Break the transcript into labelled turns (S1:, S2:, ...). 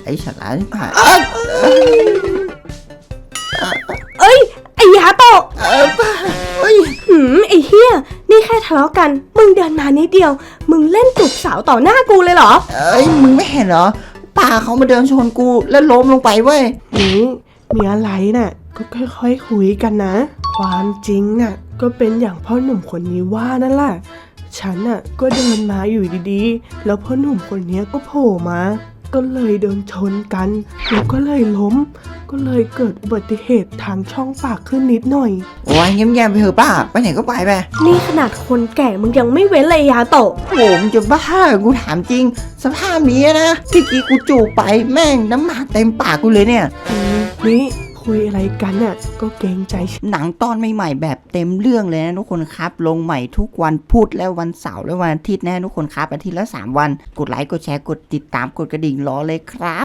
S1: ฉลาดผ่าน
S2: เอ้ยไอ้ยาโตะ
S1: เฮ้ย
S2: ไอ้เฮียนี่แค่ทะเลาะกันมึงเดินมานิดเดียวมึงเล่นจูบสาวต่อหน้ากูเลยเหรอ
S1: มึงไม่เห็นเหรอป้าเขามาเดินชนกูแล้วล้มลงไปเว้ย
S3: นี่มีอะไรน่ะก็ค่อยๆคุยกันนะความจริงน่ะก็เป็นอย่างพ่อหนุ่มคนนี้ว่านั่นแหละฉันน่ะก็เดินมาอยู่ดีๆแล้วพ่อหนุ่มคนนี้ก็โผล่มาก็เลยเดินชนกันแล้วก็เลยล้มก็เลยเกิดอุบัติเหตุทางช่องปากขึ้นนิดหน่อย
S1: โอ้ยเงียบๆไปเถอะป้าไปไหนก็ไป
S2: นี่ขนาดคนแก่มึงยังไม่เว้นเลยยาโตะ
S1: โอ้มึงจะบ้ากูถามจริงสภาพนี้นะที่กี้กูจูบไปแม่งน้ำหมากเต็มปากกูเลยเนี่ย
S3: นี่คุยอะไรกันน่ะก็เกรงใจ
S1: หนังตอนใหม่ๆแบบเต็มเรื่องเลยนะทุกคนครับลงใหม่ทุกวันพุธและวันเสาร์และวันอาทิตย์นะทุกคนครับอาทิตย์ละ3 วันกดไลค์กดแชร์กดติดตามกดกระดิ่งรอเลยครับ